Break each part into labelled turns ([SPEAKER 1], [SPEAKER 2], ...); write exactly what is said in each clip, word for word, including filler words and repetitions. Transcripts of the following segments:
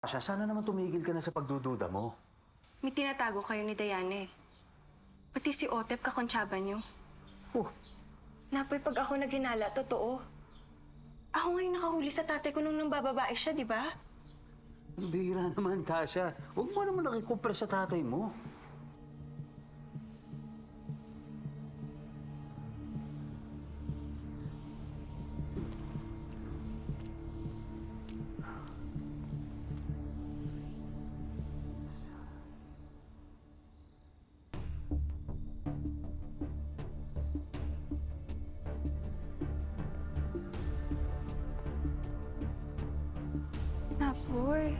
[SPEAKER 1] Asya, sana naman tumigil ka na sa pagdududa mo.
[SPEAKER 2] May tinatago kayo ni Diana eh. Pati si Otep kakontsaba niyo.
[SPEAKER 1] Oh,
[SPEAKER 2] Napoy, pag ako naghinala, totoo. Ako ngayon nakahuli sa tatay ko nung nang bababae siya, di ba?
[SPEAKER 1] ang bihira naman, Tasha. Huwag mo naman nakikumpara sa tatay mo.
[SPEAKER 2] Napoy.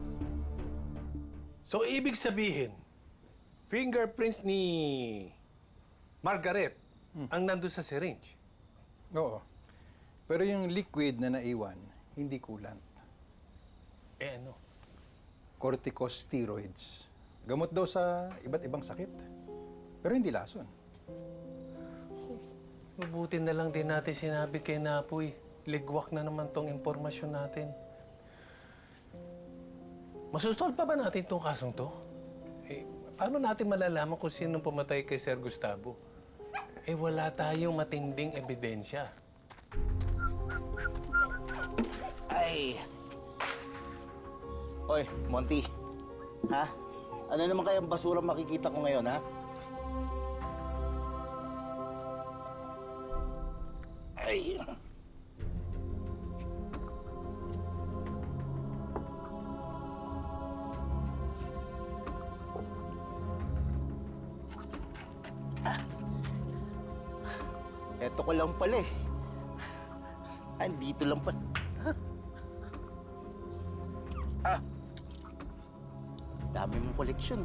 [SPEAKER 3] So, ibig sabihin, fingerprints ni Margaret ang nandun sa syringe.
[SPEAKER 4] Oo. Pero yung liquid na naiwan, hindi kulant.
[SPEAKER 3] Eh ano?
[SPEAKER 4] Corticosteroids. Gamot daw sa iba't ibang sakit. Pero hindi lason.
[SPEAKER 3] Mabuti na lang din natin sinabi kay Napoy. Ligwak na naman tong impormasyon natin. Masusol pa ba natin itong kasong to? Eh, paano natin malalaman kung sinong pumatay kay Sir Gustavo? Eh, wala tayong matinding ebidensya.
[SPEAKER 5] Ay! Hoy, Monty. Ha? Ano naman kayang basura makikita ko ngayon, ha? Ay! Eto ko lang pala eh. Andito lang pa. Ah! Dami mong koleksyon.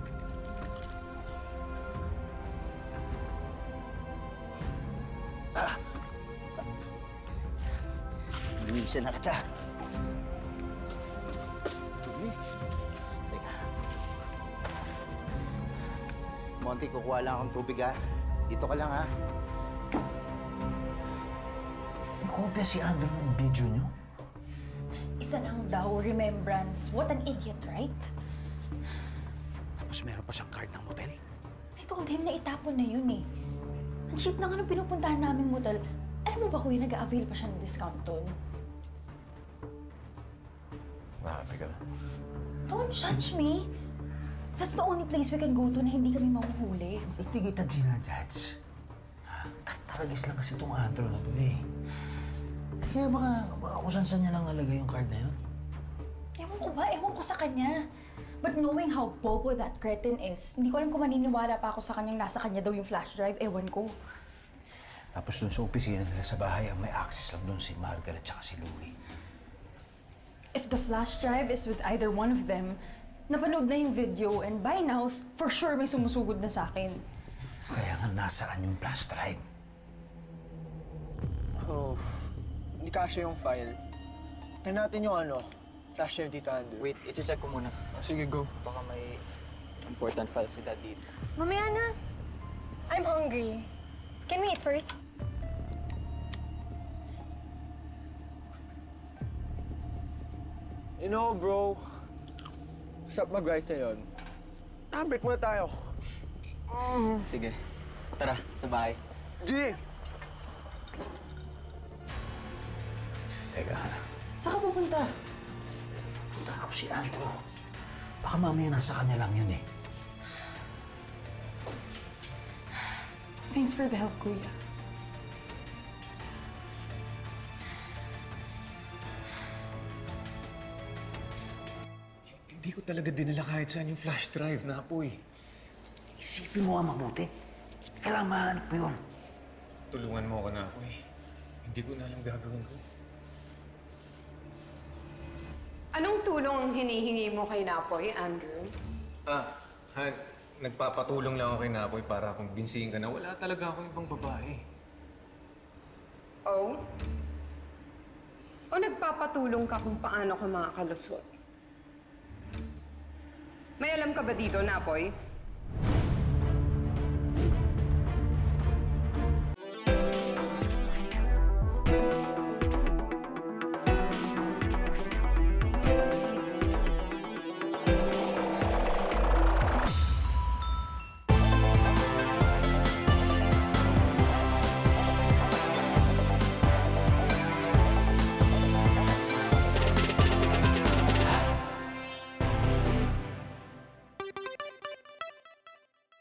[SPEAKER 5] Ah! Luisa na kita. Dumi. Teka. Monty, kukuha lang akong tubig, ha? Dito ka lang, ha?
[SPEAKER 1] Kopya si Andrew ng video niyo?
[SPEAKER 6] Isa lang daw, remembrance. What an idiot, right?
[SPEAKER 1] Tapos meron pa siyang card ng motel.
[SPEAKER 6] I told him na itapon na yun eh. Ang cheap na nga nung pinupuntahan naming motel. Alam mo ba kuya, nag-a-avail pa siya ng discount doon?
[SPEAKER 1] Grabe ka na.
[SPEAKER 6] Don't judge me! That's the only place we can go to na hindi kami mahuhuli.
[SPEAKER 7] Hindi kita ginajudge. Taragis lang kasi itong Andrew na to eh. Kaya baka, baka kung saan niya lang nalagay yung card na yun.
[SPEAKER 6] Ewan ko ba? Ewan ko sa kanya. But knowing how bobo that cretin is, hindi ko alam kung maniniwala pa ako sa kanyang nasa kanya daw yung flash drive. Ewan ko.
[SPEAKER 7] Tapos dun sa opisina nila sa bahay, ang may access lang dun si Margaret at si Louie.
[SPEAKER 6] If the flash drive is with either one of them, napanood na yung video and by now, for sure may sumusugod na sa akin.
[SPEAKER 7] Kaya nga nasaan yung flash drive?
[SPEAKER 8] Oh, hindi kasya yung file. Tignan natin yung ano, flash drive dito, Andrew.
[SPEAKER 9] Wait, i-check ko muna.
[SPEAKER 8] Oh, sige, go.
[SPEAKER 9] Baka may important files si Dad dito.
[SPEAKER 2] Mamaya na. I'm hungry. Can we eat first?
[SPEAKER 8] You know, bro, stop mag-write na yun. Ah, break muna tayo.
[SPEAKER 9] Sige. Tara, sa bahay.
[SPEAKER 8] G!
[SPEAKER 7] Teka, Hana.
[SPEAKER 6] Saan ka pupunta?
[SPEAKER 7] Punta ako si Andrew. Baka mamaya nasa kanya lang yun eh.
[SPEAKER 6] Thanks for the help, kuya.
[SPEAKER 3] Hindi ko talaga dinala kahit saan yung flash drive, Napoy.
[SPEAKER 7] Isipin mo nga mabuti. Kailangan mahanap mo yun.
[SPEAKER 3] Tulungan mo ako, Napoy. Hindi ko na alam gagawin ko.
[SPEAKER 10] Anong tulong ang hinihingi mo kay Napoy, Andrew?
[SPEAKER 3] Ah, Han, nagpapatulong lang ako kay Napoy para kumbinsihin ka na wala talaga akong ibang babae.
[SPEAKER 10] Oh? O nagpapatulong ka kung paano ka makakalusot? May alam ka ba dito, Napoy?